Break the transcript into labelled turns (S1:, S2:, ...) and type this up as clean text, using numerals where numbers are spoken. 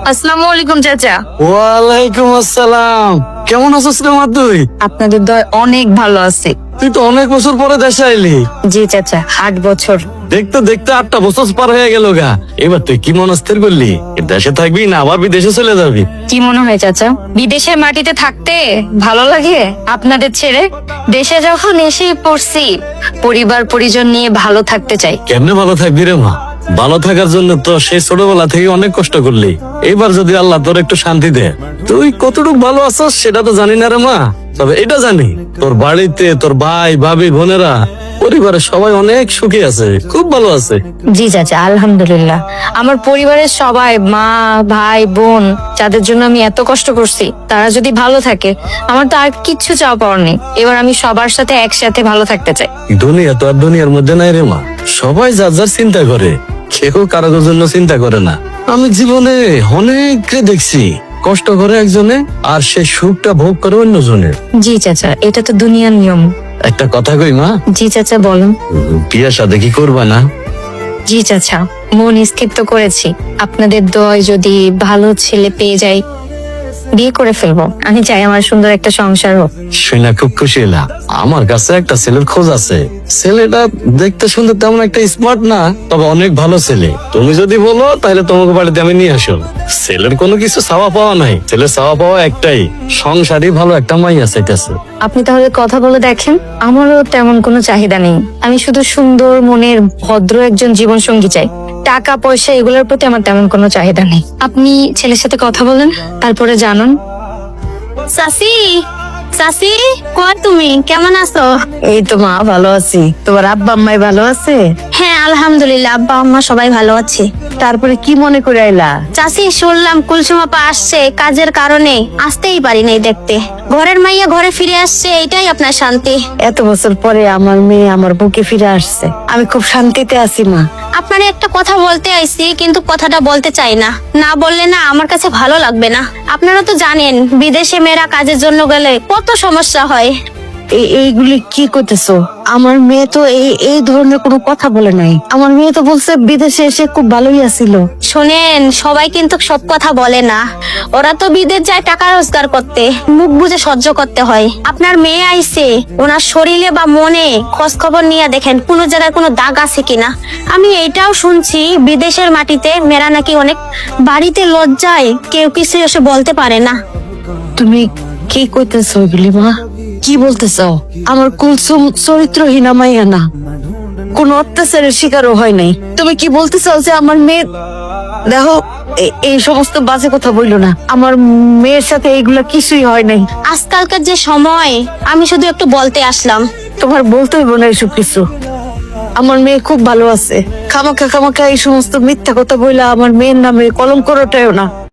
S1: আসসালামু আলাইকুম চাচা।
S2: ওয়ালাইকুম আসসালাম। কেমন আছিস রে মা তুই?
S1: আপনাদের দয় অনেক ভালো আছে।
S2: তুই তো অনেক বছর পরে দেশে আইলি।
S1: জি চাচা, 8 বছর।
S2: দেখতে দেখতে 8টা বছর পার হয়ে গেল গা। এবার তুই কি মনস্থির করলি? দেশে থাকবি না আবার বিদেশে চলে যাবি?
S1: কি মনে হয় চাচা, বিদেশের মাটিতে থাকতে ভালো লাগে আপনাদের ছেড়ে? দেশে যখন এসে পড়ছি, পরিবার পরিজন নিয়ে ভালো থাকতে চাই।
S2: কেমনে ভালো থাকবি রে মা? ভালো থাকার জন্য তো সেই ছোটবেলা থেকে অনেক কষ্ট করলি। এবার যদি আল্লাহ তোর একটু শান্তি দে, তুই কতটুকু ভালো আছিস সেটা তো জানি না রে মা, তবে এটা জানি তোর বাড়িতে তোর ভাই ভাবি বোনেরা পরিবারের সবাই অনেক সুখী আছে, খুব ভালো আছে।
S1: জি চাচা, আলহামদুলিল্লাহ। আমার পরিবারের সবাই, মা ভাই বোন, যাদের জন্য আমি এত কষ্ট করছি, তারা যদি ভালো থাকে, আমার তো আর কিচ্ছু চাওয়া পাওয়ার নেই। এবার আমি সবার সাথে একসাথে ভালো থাকতে চাই।
S2: দুনিয়া তো আর দুনিয়ার মধ্যে নাই রে মা, সবাই যার যার চিন্তা করে, কেউ কারোর জন্য চিন্তা করে না। আমি জীবনে অনেককে দেখছি কষ্ট করে একজনে আর সে সুখটা ভোগ করে অন্যজনে।
S1: জি চাচা, এটা তো দুনিয়ার নিয়ম।
S2: একটা কথা কই মা,
S1: জি চাচা বলুন।
S2: বিয়ে শাদী কি করবা না?
S1: জি চাচা, মন স্থির তো করেছি। আপনাদের দয় যদি ভালো ছেলে পেয়ে যাই, বিয়ে করে ফেলবো। আমি চাই আমার সুন্দর একটা সংসার হোক।
S2: শুনে খুব খুশি হলাম। আমার কাছে একটা ছেলের খোঁজ আছে। ছেলেটা দেখতে শুনতে তেমন একটা স্মার্ট না, তবে অনেক ভালো ছেলে। তুমি যদি বলো তাহলে তোমাকে বাড়িতে আমি নিয়ে আসো। ছেলের কোনো কিছু চাওয়া পাওয়া নাই, ছেলের চাওয়া পাওয়া একটাই, সংসারই ভালো একটা মাইয়া চাইতেছে।
S1: আপনি তাহলে কথা বলে দেখেন। আমারও তেমন কোনো চাহিদা নেই, আমি শুধু সুন্দর মনের ভদ্র একজন জীবন সঙ্গী চাই। টাকা পয়সা এগুলোর প্রতি আমার তেমন কোনো চাহিদা নেই। আপনি ছেলের সাথে কথা বলেন, তারপরে জানুন।
S3: সাসি, সাসি, কই তুমি? কেমন আছো?
S4: এই তো মা ভালো আছি। তোমার আব্বা আম্মাই ভালো আছে?
S3: হ্যাঁ আলহামদুলিল্লাহ, আব্বা আম্মা সবাই ভালো আছে।
S4: তারপরে কি মনে করে আইলা?
S3: চাচি, শুনলাম কুলসুম আপা আসছে, কাজের কারণে আসতেই পারি নাই দেখতে। ঘরের মাইয়া ঘরে ফিরে আসছে, এটাই আপনার শান্তি।
S4: এত বছর পরে আমার মেয়ে আমার বুকে ফিরে আসছে, আমি খুব শান্তিতে আছি মা।
S3: আপনার একটা কথা বলতে আইছি, কিন্তু কথাটা বলতে চাই না। না বললে না আমার কাছে ভালো লাগবে না। আপনারা তো জানেন বিদেশে মেয়েরা কাজের জন্য গেলে কত সমস্যা হয়।
S4: এইগুলি কি করতেছো? আমার মেয়ে তো এই ধরনের কোনো কথা বলে নাই। আমার মেয়ে তো বলছে বিদেশে এসে খুব ভালোই আছিল।
S3: শোনেন, সবাই কিন্তু সব কথা বলে না। ওরা তো বিদেশ যায় টাকা রোজগার করতে, মুখ বুঝে সহ্য করতে হয়। আপনার মেয়ে আইছে, ওনার শরীরে বা মনে খোঁজ খবর নিয়ে দেখেন কোন জায়গায় কোনো দাগ আছে কিনা। আমি এটাও শুনছি বিদেশের মাটিতে মেয়েরা নাকি অনেক বাড়িতে লজ্জায় কেউ কিছু এসে বলতে পারে না।
S4: তুমি কি করতেছো এগুলি মা? কি বলতেছো? আমার কুলসুম চরিত্রহীনা মাইয়া না, কোন অত্যাচারের শিকারও হয় নাই। তুমি কি বলতে চাও যে আমার মেয়ে? দেখো, এই সমস্ত বাজে কথা বইলো না। আমার মেয়ের সাথে এইগুলা কিছুই হয় নাই।
S3: আজকালকার যে সময়, আমি শুধু একটু বলতে আসলাম।
S4: তোমার বলতে হইব না এসব কিছু। আমার মেয়ে খুব ভালো আছে। খামাখা খামাখা এই সমস্ত মিথ্যা কথা বইলা আমার মেয়ের নামে কলঙ্ক রটায়ও না।